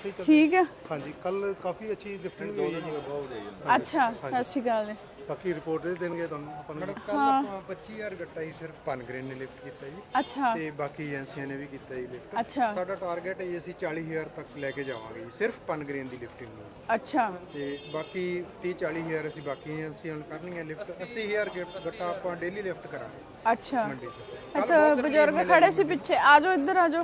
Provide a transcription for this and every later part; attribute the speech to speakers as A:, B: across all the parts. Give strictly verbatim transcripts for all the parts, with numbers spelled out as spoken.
A: अच्छी चल
B: ठीक है।
A: हाँ जी, कल काफ़ी अच्छी लिफ्टिंग भी हुई है।
B: अच्छा सत श्री अकाल जी।
A: बाकी रिपोर्ट दे देंगे ਤੁਹਾਨੂੰ ਆਪਾਂ ਨੂੰ।
C: ਕੱਲ ਆਪਾਂ ਪੱਚੀ ਹਜ਼ਾਰ ਗੱਟਾ ਹੀ ਸਿਰਫ ਪਨਗ੍ਰੇਨ ਨੇ ਲਿਫਟ ਕੀਤਾ ਜੀ
B: अच्छा
C: ਤੇ ਬਾਕੀ ਏਜੰਸੀਆਂ ਨੇ ਵੀ ਕੀਤਾ ਜੀ ਲਿਫਟ।
B: अच्छा
C: ਸਾਡਾ ਟਾਰਗੇਟ ਹੈ ਜੀ ਅਸੀਂ ਚਾਲੀ ਹਜ਼ਾਰ ਤੱਕ ਲੈ ਕੇ ਜਾਵਾਂਗੇ ਜੀ ਸਿਰਫ ਪਨਗ੍ਰੇਨ ਦੀ ਲਿਫਟਿੰਗ ਨੂੰ
B: अच्छा
C: ਤੇ ਬਾਕੀ ਤੀਹ ਚਾਲੀ ਹਜ਼ਾਰ ਅਸੀਂ ਬਾਕੀ ਏਜੰਸੀਆਂ ਨੂੰ ਕਰਨੀਆਂ ਲਿਫਟ। ਅੱਸੀ ਹਜ਼ਾਰ ਗੱਟ- ਗੱਟਾ ਆਪਾਂ ਡੇਲੀ ਲਿਫਟ ਕਰਾਂਗੇ
B: अच्छा।
C: ਮੰਡੀ 'ਚ।
B: ਇੱਥੇ ਬਜ਼ੁਰਗ ਖੜੇ ਸੀ ਪਿੱਛੇ, ਆ ਜਾਓ ਇੱਧਰ ਆ ਜਾਓ।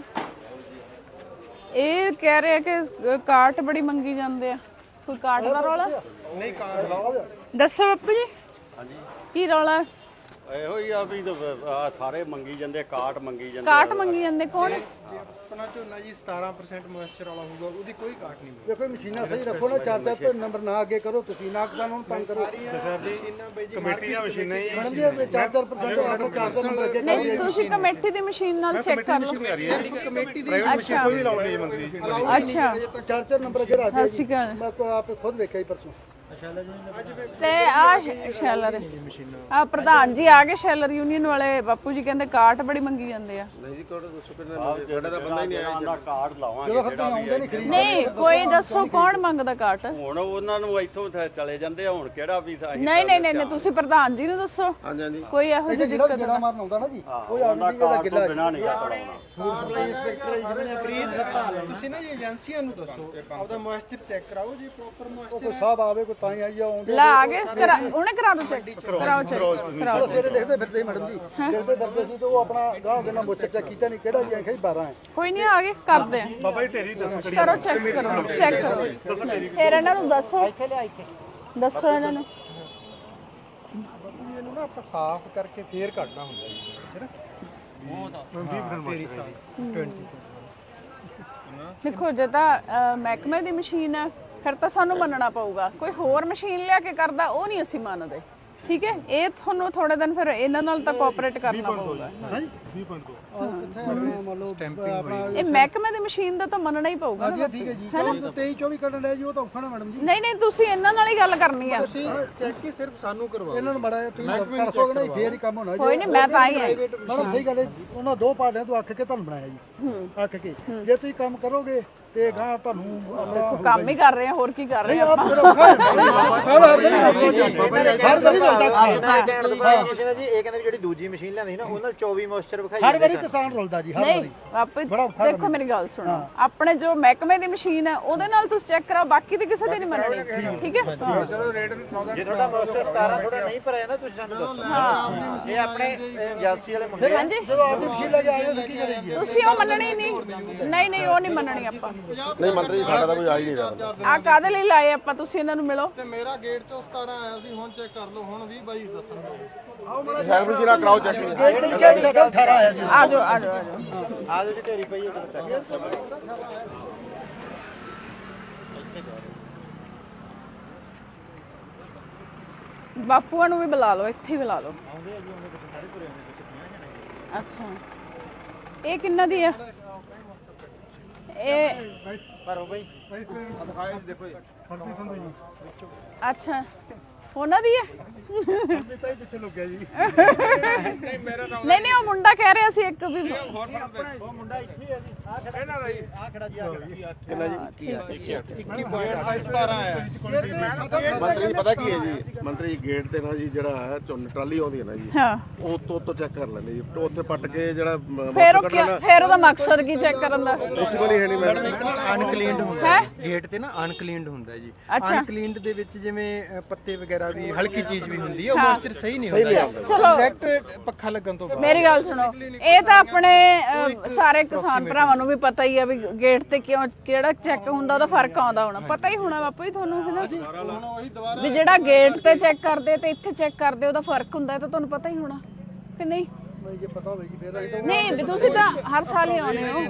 B: ਇਹ ਕਹਿ ਰਹੇ ਕਿ ਕਾਟ ਬੜੀ ਮੰਗੀ ਜਾਂਦੇ ਆ, ਕੋਈ ਕਾਟ ਦਾ ਰੌਲਾ
C: ਨਹੀਂ ਕਾਰ ਲਾਓ।
B: ਦੱਸੋ ਬਾਪੂ ਜੀ।
D: ਹਾਂਜੀ
B: ਕੀ ਰੌਲਾ?
D: ਇਹੋ ਹੀ ਆ ਵੀ ਆਹ ਸਾਰੇ ਮੰਗੀ ਜਾਂਦੇ ਕਾਟ ਮੰਗੀ ਜਾਂਦੇ
B: ਕਾਟ ਮੰਗੀ ਜਾਂਦੇ ਕੌਣ?
C: ਜੇ ਆਪਣਾ ਝੋਨਾ ਜੀ ਸਤਾਰਾਂ ਪਰਸੈਂਟ ਮੋਇਸਚਰ ਵਾਲਾ ਹੋਊਗਾ ਉਹਦੀ ਕੋਈ ਕਾਟ ਨਹੀਂ ਮਿਲੇਗੀ।
E: ਦੇਖੋ ਮਸ਼ੀਨਾਂ ਸਹੀ ਰੱਖੋ ਨਾ, ਚਾਰ ਚਾਰ ਤੇ ਨੰਬਰ ਨਾ ਅੱਗੇ ਕਰੋ ਤੁਸੀਂ, ਨਾ ਕਿਸਾਨ ਨੂੰ ਤੰਗ ਕਰੋ।
C: ਮਸ਼ੀਨਾਂ ਬਈ ਜੀ
A: ਕਮੇਟੀ ਦੀਆਂ ਮਸ਼ੀਨਾਂ ਹੀ
E: ਮੈਡਮ ਜੀ ਇਹ ਚਾਰ ਚਾਰ ਪਰਸੈਂਟ ਆਪੋ ਚਾਰ ਚਾਰ ਨੰਬਰ ਅੱਗੇ
B: ਨਹੀਂ ਤੁਸੀਂ ਕਮੇਟੀ ਦੀ ਮਸ਼ੀਨ ਨਾਲ ਚੈੱਕ ਕਰ ਲਓ।
C: ਕਮੇਟੀ ਦੀ
A: ਪ੍ਰਾਈਵੇਟ ਮਸ਼ੀਨ ਕੋਈ ਨਹੀਂ ਲਾਉਣੀ ਮੰਤਰੀ ਜੀ।
B: ਅੱਛਾ
E: ਚਾਰ ਚਾਰ ਨੰਬਰ ਅੱਗੇ ਰੱਖ
B: ਸਤਿ ਸ਼੍ਰੀ ਅਕਾਲ।
E: ਮੈਂ ਕੋ ਆਪ ਖੁਦ ਵੇਖਿਆ ਹੀ ਪਰਸੋਂ।
B: ਤੇ ਆ ਸ਼ੈਲਰ ਆ ਪ੍ਰਧਾਨ ਜੀ ਆ ਗਏ ਸ਼ੈਲਰ ਯੂਨੀਅਨ ਵਾਲੇ। ਬਾਪੂ ਜੀ ਕਹਿੰਦੇ ਕਾਟ ਬੜੀ ਮੰਗੀ ਜਾਂਦੇ ਆ।
D: ਨਹੀਂ ਜੀ ਕੋਲ ਦੱਸੋ ਕਿੰਨਾ ਜਿਹੜਾ ਦਾ ਬੰਦਾ ਹੀ ਨਹੀਂ ਆਇਆ ਕਾਟ ਲਾਵਾਂਗੇ
E: ਜਦੋਂ ਖਤਮ ਆਉਂਦੇ ਨਹੀਂ ਖਰੀਦ
B: ਨਹੀਂ ਕੋਈ ਦੱਸੋ ਕੌਣ ਮੰਗਦਾ ਕਾਟ?
D: ਹੁਣ ਉਹਨਾਂ ਨੂੰ ਇੱਥੋਂ ਚਲੇ ਜਾਂਦੇ ਆ, ਹੁਣ ਕਿਹੜਾ ਵੀ ਅਸੀਂ
B: ਨਹੀਂ ਨਹੀਂ ਨਹੀਂ ਤੁਸੀਂ ਪ੍ਰਧਾਨ ਜੀ ਨੂੰ ਦੱਸੋ।
D: ਹਾਂਜੀ ਹਾਂਜੀ
B: ਕੋਈ ਇਹੋ ਜਿਹੀ
E: ਜਿਹੜਾ
B: ਦਿੱਕਤ
E: ਜਿਹੜਾ ਮਾਰਨ ਆਉਂਦਾ ਨਾ ਜੀ ਉਹ
D: ਉਹਨਾਂ
E: ਆਪਣੀ ਜਿਹੜਾ
D: ਕਾਟ
E: ਗਿੱਲਾ
D: ਤੋਂ ਬਿਨਾਂ ਨਹੀਂ ਕਰਾਉਣਾ।
C: ਇੰਸਪੈਕਟਰ ਜਿਹਨੇ ਖਰੀਦ ਸੰਭਾਲ ਤੁਸੀਂ ਨਾ ਜੀ ਏਜੰਸੀਆਂ ਨੂੰ ਦੱਸੋ ਆਪਦਾ ਮੋਇਸਚਰ ਚੈੱਕ ਕਰਾਓ ਜੀ ਪ੍ਰੋਪਰ ਮੋਇਸਚਰ
E: ਕੋਈ ਸਾਹਿਬ ਆਵੇ ਕੋਈ ਤਾਂ ਹੀ ਆਈ ਆਉਂਦੇ
B: ਲਾ ਆ ਗਏ ਕਰਾ- ਉਹਨੇ ਕਰਾ ਦੋ ਚੈੱਕ ਕਰਾਓ ਚੈੱਕ ਕਰਾਓ।
E: ਸਵੇਰੇ ਦੇਖਦੇ ਫਿਰਦੇ ਸੀ ਮੈਡਮ ਜੀ, ਦੇਖਦੇ ਫਿਰਦੇ ਸੀ ਤੇ ਉਹ ਆਪਣਾ ਗਾਹ ਦੇ ਨਾਲ ਮੋਚਰ ਚੈੱਕ ਕੀਤਾ ਨਹੀਂ ਕਿਹੜਾ ਜੀ ਆਖਿਆ ਬਾਰਾਂ ਹੈ।
B: ਕੋਈ ਨਹੀਂ ਆ ਗਏ ਕਰਦੇ ਆ।
A: ਬਾਬਾ ਜੀ ਢੇਰੀ ਦੱਸੋ ਕਿਹੜੀ
B: ਕਰੋ ਚੈੱਕ ਕਰੋ ਚੈੱਕ ਕਰੋ ਫਿਰ ਇਹਨਾਂ ਨੂੰ ਦੱਸੋ ਦੱਸੋ ਇਹਨਾਂ ਨੂੰ।
C: ਇਹਨੂੰ ਨਾ ਆਪਾਂ ਸਾਫ਼ ਕਰਕੇ ਫੇਰ ਕੱਢਣਾ ਹੁੰਦਾ ਜੀ ਹੈ ਨਾ ਤੇਰੀ ਸਾਰੀ
B: ਦੇਖੋ ਜੇ ਤਾਂ ਅਹ, ਮਹਿਕਮੇ ਦੀ ਮਸ਼ੀਨ ਹੈ ਫਿਰ ਤਾਂ ਸਾਨੂੰ ਮੰਨਣਾ ਪਊਗਾ। ਕੋਈ ਹੋਰ ਮਸ਼ੀਨ ਲਿਆ ਕੇ ਕਰਦਾ ਉਹ ਨਹੀਂ ਅਸੀਂ ਮੰਨਦੇ। ਠੀਕ ਹੈ ਇਹ ਤੁਹਾਨੂੰ ਥੋੜੇ ਦਿਨ ਫਿਰ ਇਹਨਾਂ ਨਾਲ ਤਾਂ ਕੋਆਪਰੇਟ ਕਰਨਾ ਪਊਗਾ।
A: ਵੀਹ ਪੁਆਇੰਟ ਦੋ
E: ਕਿੱਥੇ ਮੰਨ ਲਓ ਆਪਣਾ
B: ਇਹ ਮਹਿਕਮੇ ਦੀ ਮਸ਼ੀਨ ਦਾ ਤਾਂ ਮੰਨਣਾ ਹੀ ਪਊਗਾ ਨਾ।
E: ਠੀਕ ਹੈ ਜੀ ਤੇਈ ਚੌਵੀ ਕੱਢਣ ਲਿਆ ਜੀ ਉਹ ਤਾਂ ਔਖਾ ਨਾ ਮੈਡਮ ਜੀ।
B: ਨਹੀਂ ਨਹੀਂ ਤੁਸੀਂ ਇਹਨਾਂ ਨਾਲ ਹੀ ਗੱਲ ਕਰਨੀ ਆ।
C: ਚੈੱਕ ਹੀ ਸਿਰਫ ਸਾਨੂੰ ਕਰਵਾਓ।
E: ਇਹਨਾਂ ਨੂੰ ਬੜਾ ਤੁਸੀਂ ਕਰ ਸਕੋਗੇ ਨਾ ਫੇਰ ਹੀ ਕੰਮ ਹੋਣਾ ਜੀ।
B: ਕੋਈ ਨਹੀਂ ਮੈਂ ਤਾਂ ਹੀ ਆ।
E: ਮੈਡਮ ਸਹੀ ਗੱਲ ਹੈ, ਉਹਨਾਂ ਦੋ ਪਾਰਟੀਆਂ ਤੋਂ ਅੱਖ ਕੇ ਤੁਹਾਨੂੰ ਬਣਾਇਆ ਜੀ, ਅੱਖ ਕੇ ਜੇ ਤੁਸੀਂ ਕੰਮ ਕਰੋਗੇ ਤੇ ਗਾਂ ਤੁਹਾਨੂੰ ਆਪਣਾ
B: ਕੰਮ ਹੀ ਕਰ ਰਹੇ ਆ ਹੋਰ ਕੀ ਕਰ ਰਹੇ ਆ
E: ਆਪ ਫਿਰ ਔਖਾ ਹੈ ਹਰ ਵਾਰੀ
F: ਜੀ ਇਹ ਕਹਿੰਦੇ ਜਿਹੜੀ ਦੂਜੀ ਮਸ਼ੀਨ ਲਿਆਂਦੀ ਨਾ ਉਹਨਾਂ ਚੌਵੀ ਮੋਇਸਚਰ ਵਿਖਾਈ
E: ਹਰ ਵਾਰੀ ਕਿਸਾਨ ਰੁਲਦਾ ਜੀ, ਹਰ
B: ਨਹੀਂ
E: ਵਾਰੀ
B: ਆਪੇ ਦੇਖੋ ਮੇਰੀ ਗੱਲ ਸੁਣੋ। ਆਪਣੇ ਜੋ ਮਹਿਕਮੇ ਦੀ ਮਸ਼ੀਨ ਹੈ ਉਹਦੇ ਨਾਲ ਤੁਸੀਂ ਚੈੱਕ ਕਰਾਓ, ਬਾਕੀ ਤੇ ਕਿਸੇ ਦੀ ਨਹੀਂ ਮੰਨਣੀ। ਠੀਕ ਹੈ
C: ਚਲੋ ਰੇਟ ਲਾਉਂਦਾ
F: ਜੇ ਤੁਹਾਡਾ ਮੋਇਸਚਰ ਸਤਾਰਾਂ ਥੋੜਾ ਨਹੀਂ ਭਰਿਆ ਜਾਂਦਾ ਤੁਸੀਂ ਸਾਨੂੰ ਦੱਸੋ। ਹਾਂ ਇਹ ਆਪਣੇ ਏਜੰਸੀ ਵਾਲੇ ਮੁੰਡੇ
B: ਹਾਂਜੀ
E: ਜਦੋਂ ਆਪਦੀ ਮਸ਼ੀਨ ਲੈ ਕੇ ਆਏ ਹੋ ਕੀ ਕਰੇਗੀ?
B: ਤੁਸੀਂ ਉਹ ਮੰਨਣੀ ਨਹੀਂ। ਨਹੀਂ ਨਹੀਂ ਉਹ ਨਹੀਂ ਮੰਨਣੀ ਆਪਾਂ।
G: ਨਹੀਂ ਮੰਤਰੀ ਜੀ ਸਾਡਾ ਤਾਂ ਕੋਈ ਆ ਹੀ ਨਹੀਂ ਰਿਹਾ।
B: ਆ ਕਾਹਦੇ ਲਈ ਲਾਏ ਆਪਾਂ? ਤੁਸੀਂ ਇਹਨਾਂ ਨੂੰ ਮਿਲੋ।
C: ਤੇ ਮੇਰਾ ਗੇਟ ਤੋਂ ਸਤਾਰਾਂ ਆਇਆ ਸੀ, ਹੁਣ ਚੈੱਕ ਕਰ ਲਓ, ਹੁਣ ਵੀਹ ਬਾਈ ਦੱਸਣਗੇ।
G: ਸ਼ਾਇਦ ਵੀ ਨਾ ਕਰਾਓ ਚੈੱਕ।
E: ਗੇਟ ਤੇ ਕਿਹਾ ਸਾਡਾ ਅਠਾਰਾਂ ਆਇਆ ਸੀ।
B: ਆ ਜਾਓ ਆ ਜਾਓ ਆ ਜਾਓ।
F: ਆ ਜੀ ਢੇਰੀ ਪਈ ਹੈ
B: ਬਾਪੂਆਂ ਨੂੰ ਵੀ ਬੁਲਾ ਲਓ, ਇੱਥੇ ਹੀ ਬੁਲਾ ਲਓ। ਅੱਛਾ ਇਹ ਕਿੰਨਾ ਦੀ ਆ? ਇਹ
F: ਭਰੋ ਬਈ
C: ਦੇਖੋ ਜੀ
B: ਅੱਛਾ ਉਹਨਾਂ ਦੀ ਹੈ।
C: ਪਿੱਛੇ ਲੁਕਿਆ ਜੀ।
B: ਨਹੀਂ ਨਹੀਂ ਉਹ ਮੁੰਡਾ ਕਹਿ ਰਿਹਾ ਸੀ ਇੱਕ ਵੀ
F: ਉਹ ਮੁੰਡਾ ਇੱਥੇ ਹੈ ਜੀ ਆ ਖੜਾ ਇਹਨਾਂ ਦਾ ਜੀ ਆ ਖੜਾ ਜੀ ਆ
G: ਕਿੰਨਾ ਜੀ
C: ਇੱਕੀ ਪੁਆਇੰਟ ਸਤਾਰਾਂ ਆਇਆ।
G: ਮੰਤਰੀ ਜੀ ਪਤਾ ਕੀ ਹੈ ਜੀ, ਮੰਤਰੀ ਜੀ ਗੇਟ ਤੇ ਨਾ ਜੀ ਜਿਹੜਾ ਹੈ ਝੋਨੇ ਟਰਾਲੀ ਆਉਂਦੀ ਹੈ ਨਾ ਜੀ,
B: ਹਾਂ
G: ਉਹ ਤੋਂ ਤੋਂ ਚੈੱਕ ਕਰ ਲੈਂਦੇ ਜੀ, ਉੱਥੇ ਪੱਟ ਕੇ ਜਿਹੜਾ
B: ਫਿਰ ਉਹ ਕਿਆ- ਫਿਰ ਉਹਦਾ ਮਕਸਦ ਕੀ ਚੈੱਕ ਕਰਨ ਦਾ?
G: ਪੋਸੀਬਲ ਹੀ ਹੈ ਨਹੀਂ ਮੈਡਮ।
H: ਅਨਕਲੀਨਡ ਹੁੰਦਾ
B: ਹੈ
H: ਗੇਟ ਤੇ ਨਾ ਅਨਕਲੀਨਡ ਹੁੰਦਾ ਜੀ।
B: ਅੱਛਾ।
H: ਅਨਕਲੀਨਡ ਦੇ ਵਿੱਚ ਜਿਵੇਂ ਅ, ਪੱਤੇ ਵਗੈਰਾ ਵੀ ਹਲਕੀ ਚੀਜ਼ ਵੀ ਹੁੰਦੀ ਹੈ, ਉਹ ਮੋਇਸਚਰ ਸਹੀ ਨਹੀਂ ਹੁੰਦਾ।
B: ਚਲੋ
H: ਐਗਜ਼ੈਕਟ ਪੱਖਾ ਲੱਗਣ ਤੋਂ ਬਾਅਦ
B: ਮੇਰੀ ਗੱਲ ਸੁਣੋ। ਇਹ ਤਾਂ ਆਪਣੇ ਅਹ, ਸਾਰੇ ਕਿਸਾਨ ਭਰਾਵਾਂ ਨੂੰ ਵੀ ਪਤਾ ਹੀ ਆ ਵੀ ਗੇਟ ਤੇ ਕਿਉਂ ਕਿਹੜਾ ਚੈੱਕ ਹੁੰਦਾ, ਉਹਦਾ ਫਰਕ ਆਉਂਦਾ ਹੋਣਾ। ਪਤਾ ਹੀ ਹੋਣਾ ਬਾਪੂ ਜੀ ਤੁਹਾਨੂੰ ਹੈ ਨਾ ਵੀ ਜਿਹੜਾ ਗੇਟ ਤੇ ਚੈੱਕ ਕਰਦੇ ਤੇ ਇੱਥੇ ਚੈੱਕ ਕਰਦੇ ਉਹਦਾ ਫਰਕ ਹੁੰਦਾ, ਇਹ ਤਾਂ ਤੁਹਾਨੂੰ ਪਤਾ ਹੀ ਹੋਣਾ ਕਿ ਨਹੀਂ?
E: ਜੇ ਪਤਾ ਹੋਵੇ ਜੀ ਫੇਰ ਅਸੀਂ
B: ਨਹੀਂ ਵੀ ਤੁਸੀਂ ਤਾਂ ਹਰ ਸਾਲ ਹੀ ਆਉਂਦੇ ਹੋ।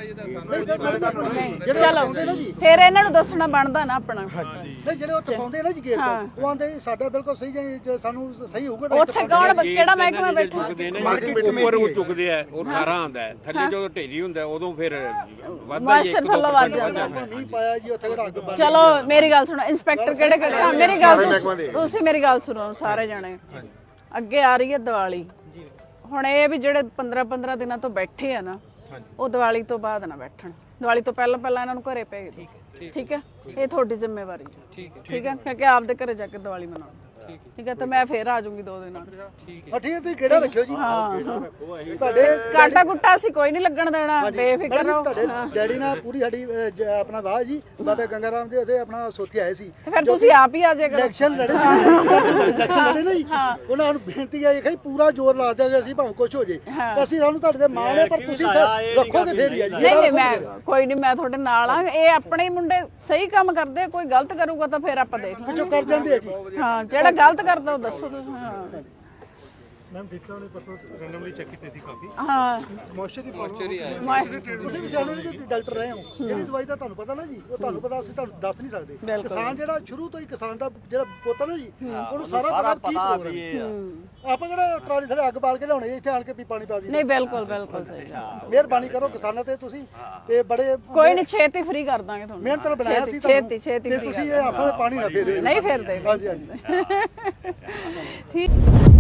B: ਨਹੀਂ ਚਲੋ ਫਿਰ ਇਹਨਾਂ ਨੂੰ ਦੱਸਣਾ ਬਣਦਾ ਨਾ ਆਪਣਾ।
E: ਨਹੀਂ ਜਿਹੜੇ ਉਹ ਟਪਾਉਂਦੇ ਨਾ ਜੀ ਗੇਟ ਤੋਂ ਉਹ ਆਂਦੇ ਸਾਡਾ ਬਿਲਕੁਲ ਸਹੀ ਜੇ ਸਾਨੂੰ ਸਹੀ ਹੋਊਗਾ ਤਾਂ
B: ਉੱਥੇ ਕੌਣ ਕਿਹੜਾ ਮਹਿਕਮਾ ਬੈਠਾ?
I: ਉੱਪਰ ਉਹ ਚੁੱਕਦੇ ਆ ਉਹ ਅਠਾਰਾਂ ਆਉਂਦਾ ਹੈ, ਥੱਲੇ ਜਦੋਂ ਢੇਰੀ ਹੁੰਦਾ ਉਦੋਂ ਫਿਰ ਵੱਧਦਾ ਹੀ
B: ਮਾਸਟਰ ਥੱਲੋਂ ਵੱਧ ਜਾਂਦਾ।
E: ਨਹੀਂ ਪਾਇਆ ਜੀ ਉੱਥੇ ਕਿਹੜਾ ਅੱਗ ਬਾਲ।
B: ਚਲੋ ਮੇਰੀ ਗੱਲ ਸੁਣੋ। ਇੰਸਪੈਕਟਰ ਕਿਹੜੇ ਕਿਹੜੇ? ਹਾਂ ਮੇਰੀ ਗੱਲ ਤੁਸੀਂ- ਤੁਸੀਂ ਮੇਰੀ ਗੱਲ ਸੁਣੋ ਸਾਰੇ ਜਣੇ। ਅੱਗੇ ਆ ਰਹੀ ਹੈ ਦੀਵਾਲੀ। ਹੁਣ ਇਹ ਵੀ ਜਿਹੜੇ ਪੰਦਰਾਂ ਪੰਦਰਾਂ ਦਿਨਾਂ ਤੋਂ ਬੈਠੇ ਆ ਨਾ ਉਹ ਦੀਵਾਲੀ ਤੋਂ ਬਾਅਦ ਨਾ ਬੈਠਣ, ਦੀਵਾਲੀ ਤੋਂ ਪਹਿਲਾਂ ਪਹਿਲਾਂ ਇਹਨਾਂ ਨੂੰ ਘਰੇ ਭੇਜ ਦਿਓ। ਠੀਕ ਹੈ, ਇਹ ਤੁਹਾਡੀ ਜ਼ਿੰਮੇਵਾਰੀ ਹੈ। ਠੀਕ ਹੈ ਠੀਕ ਹੈ, ਕਿਉਂਕਿ ਆਪਦੇ ਘਰੇ ਜਾ ਕੇ ਦੀਵਾਲੀ ਮਨਾਓ। ਠੀਕ ਹੈ, ਤੇ ਮੈਂ ਫੇਰ ਆ ਜਾਊਂਗੀ ਦੋ ਦਿਨਾਂ
E: ਹਾਂ ਠੀਕ ਹੈ, ਤੁਸੀਂ ਕਿਹੜਾ ਰੱਖਿਓ ਜੀ।
B: ਹਾਂ
E: ਤੁਹਾਡੇ
B: ਕਾਟਾ ਕੁੱਟਾ ਅਸੀਂ ਕੋਈ ਨਹੀਂ ਲੱਗਣ ਦੇਣਾ, ਬੇਫਿਕਰ ਰਹੋ।
E: ਤੁਹਾਡੇ ਡੈਡੀ ਨਾਲ ਪੂਰੀ ਸਾਡੀ ਅਹ, ਜ- ਆਪਣਾ ਵਾਹ ਜੀ ਬਾਬਾ ਗੰਗਾ ਰਾਮ ਦੇ ਉਹਦੇ ਆਪਣਾ ਸੋਥੀ ਆਏ ਸੀ,
B: ਤੇ ਫਿਰ ਤੁਸੀਂ ਆਪ ਹੀ ਆ ਜਾਇਆ ਕਰੋ।
E: ਇਲੈਕਸ਼ਨ ਲੜੇ ਸੀ ਇਲੈਕਸ਼ਨ ਲੜੇ ਨਾ ਜੀ, ਉਹਨਾਂ ਨੂੰ ਬੇਨਤੀ ਹੈ ਕਿ ਪੂਰਾ ਜ਼ੋਰ ਲਾ ਦਿਆਂਗੇ ਅਸੀਂ ਭਾਵੇਂ ਕੁਝ ਹੋ ਜੇ, ਅਸੀਂ ਸਾਨੂੰ ਤੁਹਾਡੇ ਦੇ ਮਾਣ ਹੈ, ਪਰ ਤੁਸੀਂ ਰੱਖੋਗੇ ਫੇਰ ਹੀ ਆ ਜੀ।
B: ਨਹੀਂ ਨਹੀਂ ਮੈਂ ਕੋਈ ਨਹੀਂ, ਮੈਂ ਤੁਹਾਡੇ ਨਾਲ ਆ। ਇਹ ਆਪਣੇ ਹੀ ਮੁੰਡੇ ਸਹੀ ਕੰਮ ਕਰਦੇ ਆ, ਕੋਈ ਗਲਤ ਕਰੂਗਾ ਤਾਂ ਫਿਰ ਆਪਾਂ ਦੇਖ ਲਾਂਗੇ।
E: ਜੋ ਕਰ ਜਾਂਦੇ ਆ ਜੀ।
B: ਹਾਂ, ਜਿਹੜਾ ਗਲਤ ਕਰਦਾ ਉਹ ਦੱਸੋ ਤੁਸੀਂ। ਹਾਂ
A: ਮੈਮ ਡੀ ਸਾਹਿਬ ਨੇ ਪਰਸੋਂ ਰੈਂਡਮਲੀ ਚੈੱਕ ਕੀਤੇ ਸੀ ਕਾਫੀ
B: ਹਾਂ
A: ਮੋਇਸਚਰ ਦੀ ਪ੍ਰੋਬਲਮ
B: ਮਾਸਟਰ
E: ਤੁਸੀਂ ਵੀ ਸਿਆਣੇ ਜੀ ਡਾਕਟਰ ਰਹੇ ਹੋ, ਜਿਹੜੀ ਦਵਾਈ ਦਾ ਤੁਹਾਨੂੰ ਪਤਾ ਨਾ ਜੀ, ਉਹ ਤੁਹਾਨੂੰ ਪਤਾ, ਅਸੀਂ ਤੁਹਾਨੂੰ ਦੱਸ ਨਹੀਂ ਸਕਦੇ। ਕਿਸਾਨ ਜਿਹੜਾ ਸ਼ੁਰੂ ਤੋਂ ਹੀ ਕਿਸਾਨ ਦਾ ਜਿਹੜਾ ਪੁੱਤ ਨਾ ਜੀ, ਉਹਨੂੰ ਸਾਰਾ ਪਤਾ ਕੀ ਪ੍ਰੋਗਰਾਮ ਹੈ। ਆਪਾਂ ਕਿਹੜਾ ਟਰਾਲੀ ਥੱਲੇ ਅੱਗ ਬਾਲ ਕੇ ਲਿਆਉਣੇ ਇੱਥੇ ਆਣ ਕੇ ਵੀ ਪਾਣੀ ਪਾ ਦੀ।
B: ਨਹੀਂ ਬਿਲਕੁਲ ਬਿਲਕੁਲ ਸਹੀ ਗੱਲ।
E: ਮਿਹਰਬਾਨੀ ਕਰੋ ਕਿਸਾਨਾਂ ਤੇ ਤੁਸੀਂ, ਤੇ ਬੜੇ
B: ਕੋਈ ਨਹੀਂ, ਛੇਤੀ ਫ੍ਰੀ ਕਰ ਦਾਂਗੇ ਤੁਹਾਨੂੰ।
E: ਮਿਹਨਤ ਨਾਲ ਬਣਾਇਆ ਸੀ
B: ਛੇਤੀ ਛੇਤੀ
E: ਤੇ
B: free
E: ਤੁਸੀਂ
B: ਕਰ
E: ਇਹ ਆਸਾਂ ਪਾਣੀ ਨਾ ਦੇ ਦਿਓ।
B: ਨਹੀਂ ਫਿਰ ਦੇ।
E: ਹਾਂਜੀ ਹਾਂਜੀ।
B: ਠੀਕ।